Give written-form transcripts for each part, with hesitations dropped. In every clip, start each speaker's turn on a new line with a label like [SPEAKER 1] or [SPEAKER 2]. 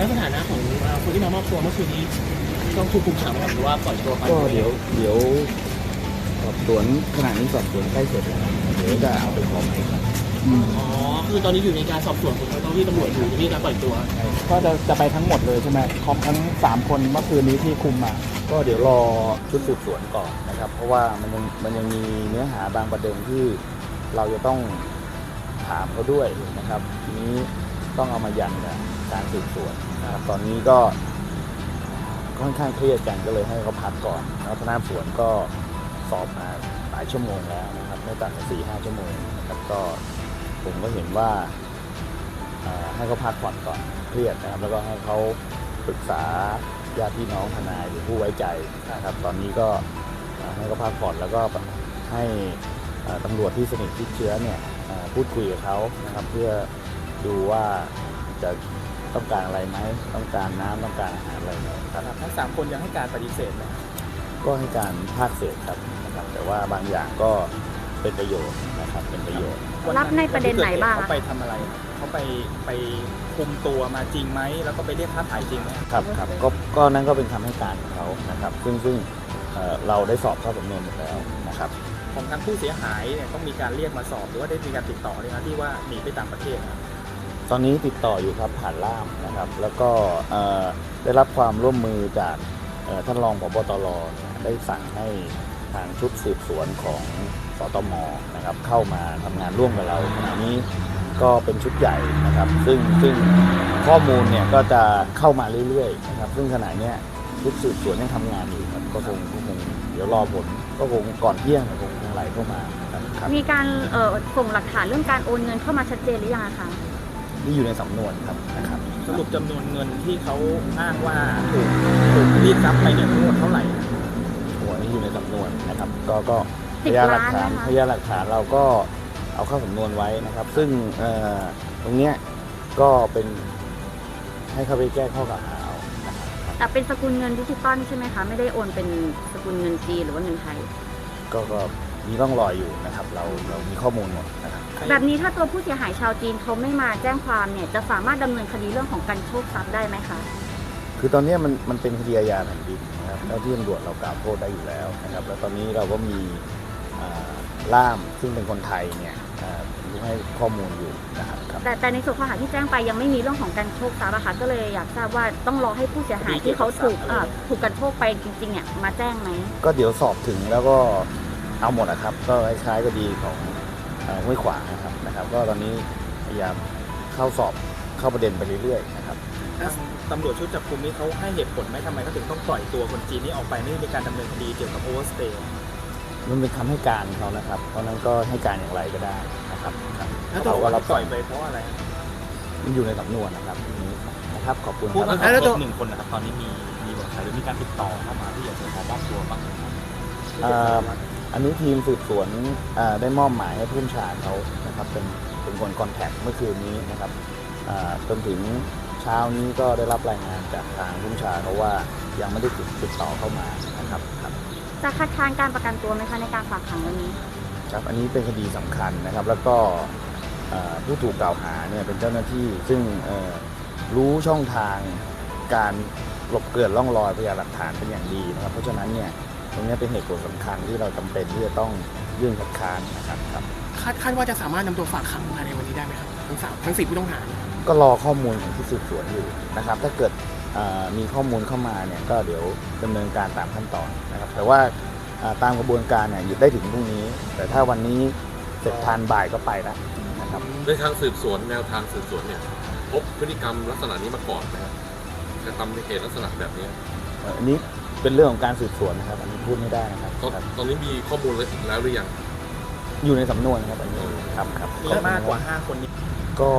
[SPEAKER 1] แล้วสถานะของคนที่มามอบตัวเมื่อคืนนี้ต้องถูกคุมขังไหมครับหรือว่าปล่อยตัวไป
[SPEAKER 2] ก็เดี๋ยวสอบสวนขณะนี้สอบสวนใกล้เสร็จแล้วเดี๋ยวจะเอาไปขอหมายครับ
[SPEAKER 1] อ๋อคือตอนนี้อยู่ในการสอบสวนของเจ้าหน้าที่ตำรวจอยู่ที่การปล่อยตัว
[SPEAKER 3] ก็จะไปทั้งหมดเลยใช่ไหมครบทั้ง3คนเมื่อคืนนี้ที่คุมมา
[SPEAKER 2] ก็เดี๋ยวรอชุดสืบสวนก่อนนะครับเพราะว่ามันยังมีเนื้อหาบางประเด็นที่เราจะต้องถามเขาด้วยนะครับทีนี้ต้องเอามายันกับการสืบสวนนะครับตอนนี้ก็ค่อนข้างเครียดกันก็เลยให้เขาพักก่อนแล้วพนักงานสวนก็สอบมาหลายชั่วโมงแล้วนะครับไม่ต่ำกว่า4-5 ชั่วโมงนะครับก็ผมก็เห็นว่าให้เขาพักผ่อนก่อนเครียดนะครับแล้วก็ให้เขาปรึกษาญาติพี่น้องทนายหรือผู้ไว้ใจนะครับตอนนี้ก็ให้เขาพักผ่อนแล้วก็ให้ตำรวจที่สนิทชิดเชื้อเนี่ยพูดคุยกับเขานะครับเพื่อดูว่าจะต้องการอะไรไหมต้องการน้ำต้องการอาหารอะไรไหมครับ
[SPEAKER 3] ทั้ง3คนยังให้การปฏิเสธไหม
[SPEAKER 2] ก็ให้การภาคเศษครับนะครับแต่ว่าบางอย่างก็เป็นประโยชน์นะครับเป็นประโยชน์
[SPEAKER 4] รับในประเด็นไหนบ้าง
[SPEAKER 3] เขาไปทำอะไรเขาไปคุมตัวมาจริงไหมแล้วก็ไปเรียกค่าถ่ายจริงไหม
[SPEAKER 2] ครับก็นั่นก็เป็นคำให้การของเขานะครับซึ่งเราได้สอบเข้าสำนวนหมดแล้วนะครับ
[SPEAKER 3] ของทางผู้เสียหายเนี่ยต้องมีการเรียกมาสอบหรือว่าได้มีการติดต่อเลยนะที่ว่าหนีไปต่างประเทศนะ
[SPEAKER 2] ตอนนี้ติดต่ออยู่ครับผ่านล่ามนะครับแล้วก็ได้รับความร่วมมือจากท่านรองผบ.ตร.ได้สั่งให้ทางชุดสืบสวนของสตม.นะครับเข้ามาทำงานร่วมกับเราขณะนี้ก็เป็นชุดใหญ่นะครับซึ่งข้อมูลเนี่ยก็จะเข้ามาเรื่อยๆนะครับซึ่งขณะนี้ชุดสืบสวนยังทำงานอยู่ครับก็คงเดี๋ยวรอผลก็คงก่อนเที่ยงคงไหลเข้ามาครับ
[SPEAKER 4] มีการส่งหลักฐานเรื่องการโอนเงินเข้ามาชัดเจนหรือยังคะ
[SPEAKER 2] นี่อยู่ในสำนวนครับนะครับ
[SPEAKER 3] สรุปจำนวนเงินที่เขาอ้างว่าถูกรีดทรัพย์ไปเนี่ยทั้งหมดเท่าไหร่
[SPEAKER 2] โอ้นี่อยู่ในสำนวนนะครับก็พยานหลักฐานเราก็เอาเข้าสำนวนไว้นะครับซึ่งตรงเนี้ยก็เป็นให้เขาไปแก้ข้อกล่าวหาเอานะครับ
[SPEAKER 4] แต่เป็นสกุลเงินดิจิตอลใช่ไหมคะไม่ได้โอนเป็นสกุลเงินจีนหรือว่าเงินไทย
[SPEAKER 2] ก็มีร่องรอยอยู่นะครับเรามีข้อมูลหมดนะครับ
[SPEAKER 4] แบบนี้ถ้าตัวผู้เสียหายชาวจีนเขาไม่มาแจ้งความเนี่ยจะสามารถดำเนินคดีเรื่องของการโชคทรัพย์ได้ไหมคะ
[SPEAKER 2] คือตอนนี้มันเป็นคดีอาญาแผ่นดินนะครับแล้วที่ตำรวจเรากล่าวโทษได้อยู่แล้วนะครับแล้วตอนนี้เราก็มีล่ามซึ่งเป็นคนไทยเนี่ยให้ข้อมูลอยู่นะครับ
[SPEAKER 4] แต่ในส่วนข้อหาที่แจ้งไปยังไม่มีเรื่องของการโชคทรัพย์อะค่ะก็เลยอยากทราบว่าต้องรอให้ผู้เสียหายที่เขาถูกการโชคไปจริงๆเนี่ยมาแจ้งไหม
[SPEAKER 2] ก็เดี๋ยวสอบถึงแล้วก็เอาหมดนะครับก็คล้ายๆคดีของห้วยขวางนะครับก็ตอนนี้พยายามเข้าประเด็นไปเรื่อยๆนะครับ
[SPEAKER 3] ตำรวจชุดจับกุมนี้เขาให้เหตุผลไหมทำไมเขาถึงต้องปล่อยตัวคนจีนนี้ออกไปไม่มีการดำเนินคดีเกี่ยวกับโอเวอร์สเตย์
[SPEAKER 2] มันเป็นคำให้การเขานะครับเพราะนั้นก็ให้การอย่างไรก็ได้นะครับ
[SPEAKER 3] แล้วตัวเราปล่อยไปเพราะอะไร
[SPEAKER 2] มันอยู่ในสำนวนนะครับนี้นะครับขอบคุณครับ
[SPEAKER 3] แล้วตัว1 คนนะครับตอนนี้มีบอกใครหรือมีการติดต่อเข้ามาที่อยากจะขอมอบตัวบ้างไหมครับ
[SPEAKER 2] อันนี้ทีมสืบสวนได้มอบหมายให้ผู้บัญชาการเขานะครับเป็นคนคอนแทคเมื่อคืนนี้นะครับจนถึงเช้านี้ก็ได้รับรายงานจากทางผู้บัญชาการเขาว่ายังไม่ได้ติดต่อเข้ามานะครับ
[SPEAKER 4] จะคัดค้านการประกันตัวไหมคะในการฝากขังวันนี้
[SPEAKER 2] ครับอันนี้เป็นคดีสำคัญนะครับแล้วก็ผู้ถูกกล่าวหาเนี่ยเป็นเจ้าหน้าที่ซึ่งรู้ช่องทางการหลบเกลื่อนร่องรอยพยานหลักฐานเป็นอย่างดีนะครับเพราะฉะนั้นเนี่ยตรงนี้เป็นเหตุผลสำคัญที่เราจำเป็นที่จะต้องยื่นคัดค้านนะครับ
[SPEAKER 1] คาดว่าจะสามารถนำตัวฝากขังภายในวันนี้ได้ไหมครับทั้ง4ผู้ต้องหา
[SPEAKER 2] ก็รอข้อมูลของที่สืบสวนอยู่นะครับถ้าเกิดมีข้อมูลเข้ามาเนี่ยก็เดี๋ยวดำเนินการตามขั้นตอนนะครับแต่ว่าตามกระบวนการเนี่ยหยุดได้ถึงพรุ่งนี้แต่ถ้าวันนี้เสร็จทันบ่ายก็ไปแล้วนะครับ
[SPEAKER 5] ในทางสืบสวนแนวทางสืบสวนเนี่ยพบพฤติกรรมลักษณะนี้มาก่อนนะครับกระทำในเหตุลักษณะแบบนี้
[SPEAKER 2] อันนี้เป็นเรื่องของการสืบสวนนะครับอันนี้พูดไม่ได้นะครับ
[SPEAKER 5] ตอนนี้มีข้อมูลแล้วหรือยัง
[SPEAKER 2] อยู่ในสำนวนครับอันนี้ครับ
[SPEAKER 3] มีมากกว่า5 คนนี้
[SPEAKER 2] ก็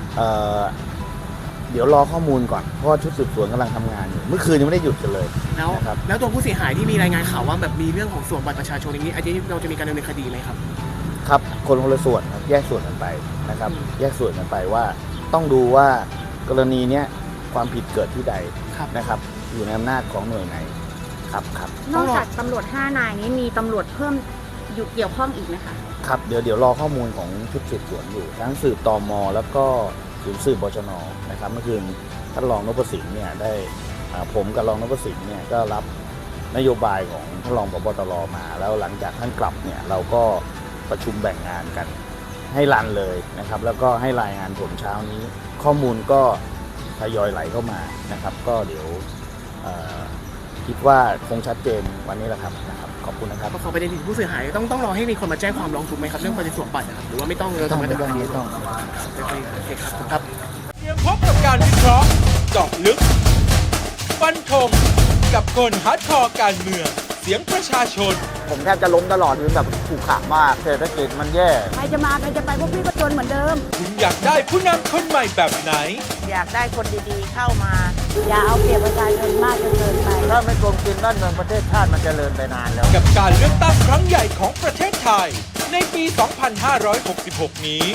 [SPEAKER 2] เดี๋ยวรอข้อมูลก่อนเพราะชุดสืบสวนกำลังทำงานอยู่เมื่อคืนยังไม่ได้หยุดกันเลย
[SPEAKER 1] แล้วตัวผู้เสียหายที่มีรายงานข่าวว่าแบบมีเรื่องของส่วนบัตรประชาชนอย่างนี้อันนี้เราจะมีการดำเนินคดีไหมครับ
[SPEAKER 2] ครับคนละส่วนครับแยกส่วนกันไปนะครับแยกส่วนกันไปว่าต้องดูว่ากรณีนี้ความผิดเกิดที่ใดนะครับอยู่ในอำนาจของหน่วยไหนครับ
[SPEAKER 4] นอกจากตำรวจ5 นายนี้มีตำรวจเพิ่มอยู่เกี่ยวข้องอีกไหมคะ
[SPEAKER 2] ครับเดี๋ยวรอข้อมูลของชุดสืบสวนอยู่ทั้งสืบตม.แล้วก็ศูนย์สืบบชน.นะครับเมื่อคืนท่านรองนพสิงห์เนี่ยได้ผมกับรองนพสิงห์เนี่ยก็รับนโยบายของท่านรองผบ.ตร.มาแล้วหลังจากท่านกลับเนี่ยเราก็ประชุมแบ่งงานกันให้รันเลยนะครับแล้วก็ให้รายงานผลเช้านี้ข้อมูลก็ทยอยไหลเข้ามานะครับก็เดี๋ยวคิดว่าคงชัดเจนวันนี้แหละครับขอบคุณนะครับ
[SPEAKER 1] ขอประเด็นที่ผู้เสียหายต้องรอให้มีคนมาแจ้งความร้องทุกข์ไหมครับเรื่องประเด็นสวมบัตรนะครับหรือว่าไม่ต้องเราทำกันแบบนี้
[SPEAKER 2] ต้อง
[SPEAKER 1] โอเคครับ
[SPEAKER 6] เตรียมพบกับการวิเคราะห์เจาะลึก ฟันธงกับคนฮาร์ดคอร์การเมือง เสียงประชาชน
[SPEAKER 2] ผมแทบจะล้มตลอดคือแบบขู่ขามากเศรษฐกิจมันแย่
[SPEAKER 4] ใครจะมาใครจะไปพวกพี่ก็จนเหมือนเดิม
[SPEAKER 6] คุณอยากได้ผู้นำคนใหม่แบบไหน
[SPEAKER 7] อยากได้คนดีๆเข้ามา
[SPEAKER 4] อย่าเอาเปรียบประชาชนมากจนเกินไป
[SPEAKER 2] ถ้าไม่โกงกินบ้านเมืองประเทศชาติมันเจริญไปนานแล้ว
[SPEAKER 6] กับการเลือกตั้งครั้งใหญ่ของประเทศไทย ในปี 2566 นี้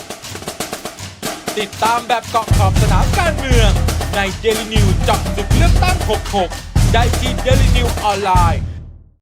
[SPEAKER 6] ติดตามแบบเกาะขอบสนามการเมืองใน Daily News เจาะลึกเลือกตั้ง 66 ได้ที่ Daily News ออนไลน์